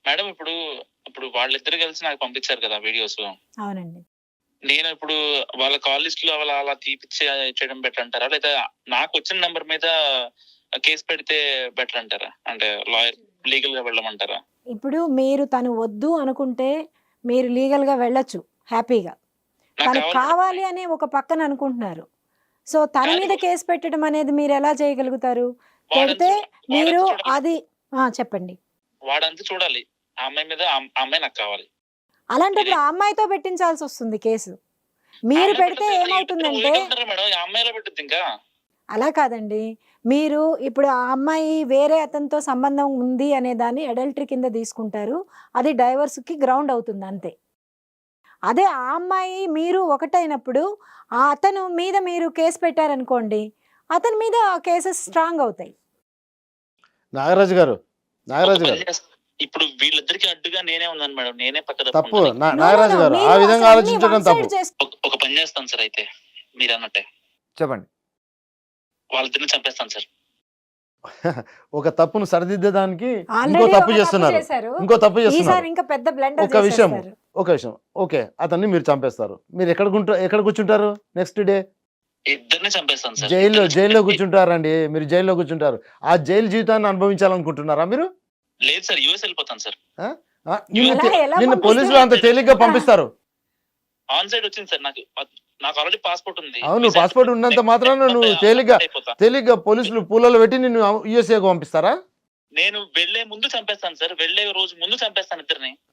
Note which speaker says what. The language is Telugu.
Speaker 1: మేడం ఇప్పుడు ఇప్పుడు వాళ్ళిద్దరు కలిసి నాకు పంపించారు కదా వీడియోస్.
Speaker 2: అవునండి.
Speaker 1: నేను ఇప్పుడు వాళ్ళ కాల్ లిస్ట్ లో అలా తీపిచ్చి చేయడం బెటర్ అంటారా, లేదా నాకు వచ్చిన నంబర్ మీద కేసు పెడితే బెటర్ అంటారా? అంటే లాయర్ లీగల్ గా వెళ్ళమంటారా?
Speaker 2: ఇప్పుడు మీరు తను వద్దు అనుకుంటే మీరు లీగల్‌గా వెళ్ళొచ్చు హ్యాపీగా.
Speaker 1: నాకు
Speaker 2: తనకు
Speaker 1: కావాలి
Speaker 2: కావాలి
Speaker 1: మేడం.
Speaker 2: అనే ఒక పక్కన అనుకుంటున్నారు. సో, తన
Speaker 1: కానీ
Speaker 2: మీద కేస్ పెట్టడం అనేది మీరెలా చేయగలుగుతారు? పెడితే
Speaker 1: వాడంతా
Speaker 2: మీరు
Speaker 1: చూడాలి.
Speaker 2: అది చెప్పండి.
Speaker 1: వాడంతా చూడాలి. ఆ అమ్మాయి మీద ఆ అమ్మాయి నాకు కావాలి.
Speaker 2: అలాంటప్పుడు ఆ అమ్మాయితో పెట్టించాల్సొస్తుంది కేసు. మీరు
Speaker 1: అమ్మాయి
Speaker 2: పెడితే
Speaker 1: పెట్టిద్ది.
Speaker 2: ఏమవుతుందంటే
Speaker 1: ఉంటారా మేడం? ఆ అమ్మాయి ఎలా పెట్టిద్ది ఇంకా?
Speaker 2: అలా కాదండి. మీరు ఇప్పుడు ఆ అమ్మాయి వేరే అతనితో సంబంధం ఉంది అనే దాన్ని అడల్టరీ కింద తీసుకుంటారు. అది డైవర్స్‌కి గ్రౌండ్ అవుతుంది అంతే. అదే ఆ అమ్మాయి మీరు ఒకటైనప్పుడు ఆ అతను మీద మీరు కేస్ పెట్టారనుకోండి, అతని మీద కేసెస్ స్ట్రాంగ్ అవుతాయి.
Speaker 3: నాగరాజు గారు,
Speaker 1: ఒక
Speaker 3: నాగరాజు
Speaker 1: పని
Speaker 3: గారు
Speaker 1: చేస్తా. ఇప్పుడు వీళ్ళిద్దరికి అడ్డుగా నేనే ఉన్నాను మేడం. నేనే పక్క
Speaker 3: తప్పు.
Speaker 1: తప్పుకుంటాను.
Speaker 2: No, no,
Speaker 3: Nagaraju
Speaker 2: no.
Speaker 3: గారు ఆ
Speaker 2: మీరు
Speaker 3: విధంగా
Speaker 2: అసలు అన్ని
Speaker 3: ఆలోచించడం
Speaker 2: వన్
Speaker 3: తప్పు.
Speaker 2: సైడ్ చేస్
Speaker 1: ఒక పని చేస్తాను సార్ అయితే. మీరన్నట్టే.
Speaker 3: చెప్పండి.
Speaker 1: వాళ్ళిద్దరిని చంపేస్తాను సార్.
Speaker 3: ఒక తప్పును సరిదిద్దడానికి ఇంకో
Speaker 2: ఆల్రెడీ
Speaker 3: తప్పు
Speaker 2: ఒక తప్పు
Speaker 3: చేస్తున్నారు.
Speaker 2: చేశారు.
Speaker 3: ఇంకో తప్పు చేస్తున్నారు.
Speaker 2: ఈసారి ఇంకా పెద్ద బ్లండర్
Speaker 3: ఒక విషయం,
Speaker 2: చేసేస్తారు.
Speaker 3: ఒక విషయం. ఓకే. అతన్ని మీరు చంపేస్తారు. మీరు ఎక్కడ కూర్చుంటారు నెక్స్ట్ డే?
Speaker 1: ఇద్దరిని చంపేస్తాను సార్.
Speaker 3: జైల్లో
Speaker 1: ఇద్దరిని
Speaker 3: జైల్లో
Speaker 1: చంపేసి-
Speaker 3: కూర్చుంటారండి. మీరు జైల్లో కూర్చుంటారు. ఆ జైలు జీవితాన్ని అనుభవించాలనుకుంటున్నారా మీరు?
Speaker 1: లేదు సార్, యూఎస్ వెళ్ళిపోతాను సార్.
Speaker 3: నిన్ను
Speaker 2: ఎలా
Speaker 3: నిన్ను
Speaker 2: పంపిస్తారు?
Speaker 3: పోలీసులు అంత తేలిగ్గా పంపిస్తారు.
Speaker 1: ఆన్ సైడ్ వచ్చింది సార్. నాకు ఆల్రెడీ పాస్పోర్ట్ ఉంది.
Speaker 3: అవును, పాస్పోర్ట్ ఉన్నంత మాత్రాన నువ్వు తేలిగ్గా పోలీసులు పూలలో పెట్టి నిన్ను యూఎస్ఏకు పంపిస్తారా?
Speaker 1: నేను వెళ్లే ముందు చంపేస్తాను సార్. వెళ్లే రోజు ముందు చంపేస్తాను ఇద్దరిని.